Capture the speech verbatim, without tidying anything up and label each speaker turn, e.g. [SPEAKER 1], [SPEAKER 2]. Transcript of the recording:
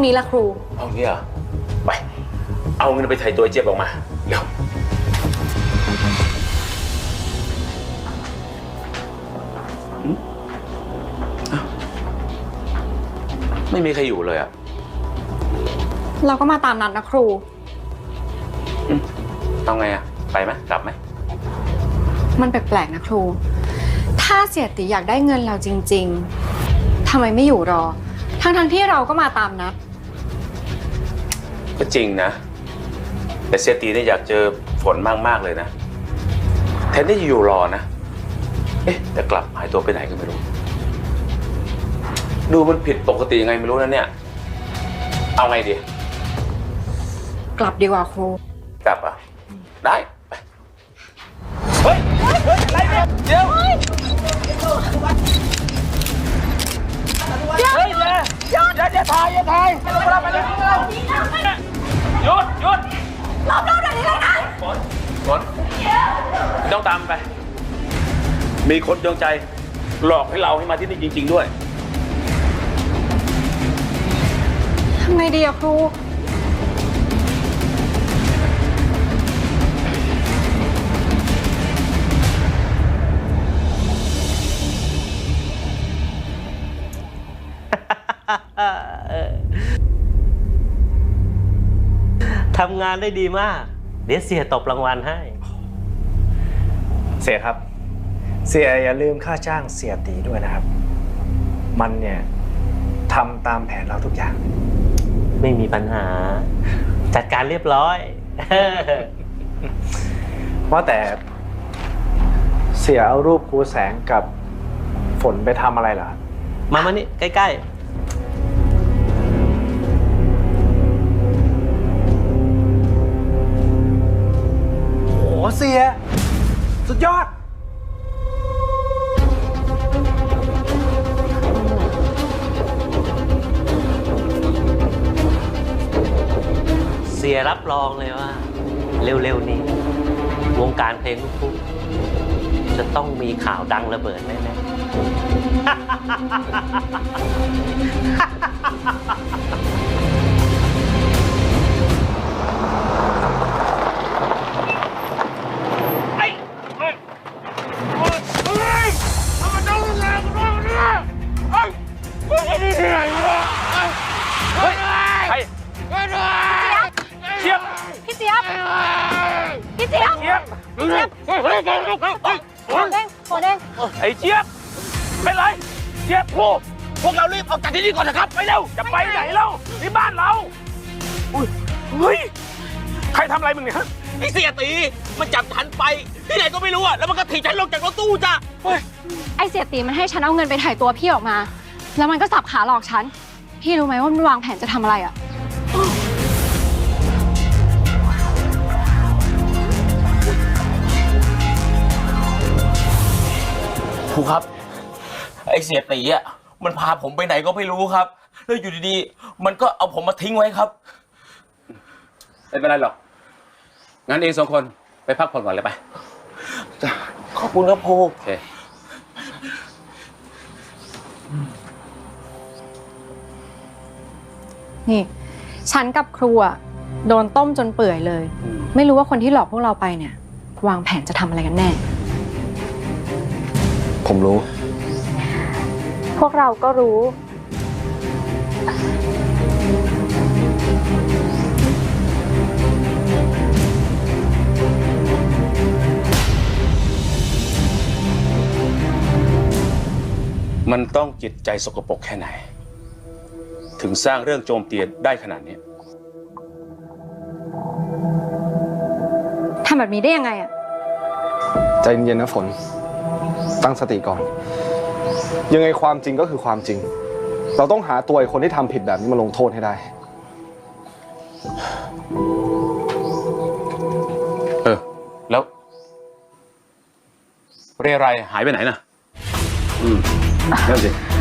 [SPEAKER 1] นี้ละครู
[SPEAKER 2] ห้องนี้เหรอไปเอาเงินไปไถ่ตัวเจี๊ยบออกมาเร็วไม่มีใครอยู่เลยอะ
[SPEAKER 1] เราก็มาตามนัดนะครู
[SPEAKER 2] เอาไงอะไปไหมกลับไหม
[SPEAKER 1] มันแปลกๆนะครูถ้าเสียติอยากได้เงินเราจริงๆทำไมไม่อยู่รอทั้งๆที่เราก็มาตามนัด
[SPEAKER 2] ก็จริงนะแต่เสียตีเนี่ยอยากเจอฝนมากๆเลยนะแทนที่จะอยู่รอนะเอ๊ะแต่กลับหายตัวไปไหนก็ไม่รู้ดูมันผิดปกติยังไงไม่รู้นะเนี่ยเอาไงดี
[SPEAKER 1] กลับดีกว่าครู
[SPEAKER 2] กลับอ่ะได้ไปเฮ้ยเฮ้ยอะไรเนี่ยเดี๋ยวเฮ้ยอย่าอย่าอย่าถ่ายอย่าถ่ายไปเลยไปเลยหยุดหยุด
[SPEAKER 1] รอบรอบแบบนี้เลยนะ
[SPEAKER 2] ฝนฝนต้องตามไปมีคนดวงใจหลอกให้เราให้มาที่นี่จริงๆด้วย
[SPEAKER 1] ทำไงดีอะครู
[SPEAKER 3] ทำงานได้ดีมากเดี๋ยวเสียตบรางวัลให้
[SPEAKER 4] เสียครับเสียอย่าลืมค่าจ้างเสียตีด้วยนะครับมันเนี่ยทำตามแผนเราทุกอย่าง
[SPEAKER 3] ไม่มีปัญหาจัดการเรียบร้อย
[SPEAKER 4] ว่าแต่เสียเอารูปครูแสงกับฝนไปทำอะไรเหรอ
[SPEAKER 3] มามานี่ใกล้ๆ
[SPEAKER 4] โอ้เสียสุดยอด
[SPEAKER 3] เสียรับรองเลยว่าเร็วๆนี้วงการเพลงลูกทุ่งจะต้องมีข่าวดังระเบิดแน่ๆ
[SPEAKER 1] เจี๊ยบพี่เจี๊ยบพี่เจี๊ยบพี่เจี๊ยบพี่เจี๊ยบโหเด้งโหเด้ง
[SPEAKER 2] ไอ้เจี๊ยบเป็นไรเจี๊ยบพวกพวกเรารีบออกจากที่นี่ก่อนนะครับไปเร็วจะไปไหนเล่าที่บ้านเราอุ้ยเฮ้ยใครทำอะไรมึงเนี่ย
[SPEAKER 5] ไอ้เสียตีมันจับฉันไปที่ไหนก็ไม่รู้อะแล้วมันก็ถีบฉันลงจากรถตู้จ้ะ
[SPEAKER 1] ไอ้เสียตีมันให้ฉันเอาเงินไปถ่ายตัวพี่ออกมาแล้วมันก็สับขาหลอกฉันพี่รู้ไหมว่ามันวางแผนจะทำอะไรอะ
[SPEAKER 5] ครูครับไอ้เสียตีอะมันพาผมไปไหนก็ไม่รู้ครับแล้วอยู่ดีๆมันก็เอาผมมาทิ้งไว้ครับ
[SPEAKER 2] ไม่เป็นไรหรอกงั้นเองสองคนไปพักผ่อนก่อนเลยไป
[SPEAKER 5] ขอบคุณครับครู
[SPEAKER 2] โอเค
[SPEAKER 1] นี่ฉันกับครูอะโดนต้มจนเปื่อยเลยไม่รู้ว่าคนที่หลอกพวกเราไปเนี่ยวางแผนจะทำอะไรกันแน่
[SPEAKER 4] ผมรู้
[SPEAKER 1] พวกเราก็รู้
[SPEAKER 2] มันต้องจิตใจสกปรกแค่ไหนถึงสร้างเรื่องโจมตีได้ขนาดนี้
[SPEAKER 1] ทำแบบนี้ได้ยังไงอะ
[SPEAKER 4] ใจเย็นๆนะฝนตั้งสติก่อนยังไงความจริงก็คือความจริงเราต้องหาตัวไอ้คนที่ทำผิดแบบนี้มาลงโทษให้ได้
[SPEAKER 2] เออแล้วเรไรหายไปไหนน่ะอืมนั่นสิ